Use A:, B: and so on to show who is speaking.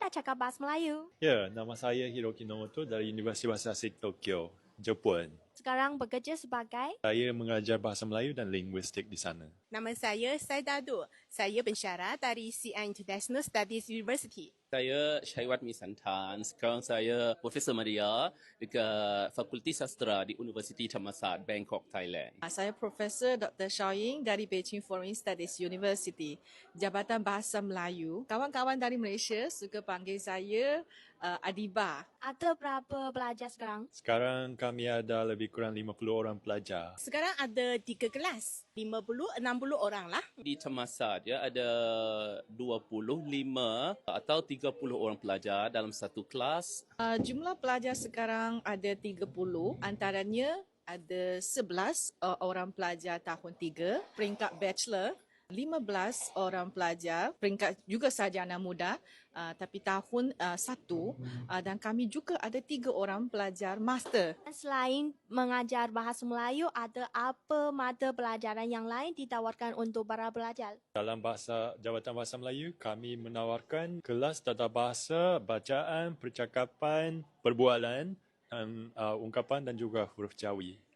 A: nak cakap bahasa Melayu.
B: Ya, nama saya Hiroki Nomoto dari Universiti Bahasa Asing Tokyo, Jepun.
A: Sekarang bekerja sebagai
B: Saya mengajar bahasa Melayu dan linguistik di sana.
C: Nama saya Saidado. Saya pensyarah dari CI International Studies University.
D: Saya Syaiwat Misantan. Sekarang saya Profesor Maria dekat Fakulti Sastra di Universiti Thammasat, Bangkok, Thailand.
E: Saya Profesor Dr. Xiao Ying dari Beijing Foreign Studies University, Jabatan Bahasa Melayu. Kawan-kawan dari Malaysia suka panggil saya Adiba.
A: ada berapa pelajar sekarang?
B: Sekarang kami ada lebih kurang 50 orang pelajar.
C: Sekarang ada 3 kelas. 50-60 orang lah.
D: Di Thammasat ada 25 atau 30 orang pelajar dalam satu kelas.
E: Jumlah pelajar sekarang ada 30, antaranya ada 11 orang pelajar tahun 3, peringkat bachelor, 15 orang pelajar, peringkat juga sarjana muda, tapi tahun 1, dan kami juga ada 3 orang pelajar master.
A: Selain mengajar bahasa Melayu, ada apa mata pelajaran yang lain ditawarkan untuk para pelajar?
B: Dalam Jabatan Bahasa Melayu, kami menawarkan kelas tata bahasa, bacaan, percakapan, perbualan, dan ungkapan dan juga huruf jawi.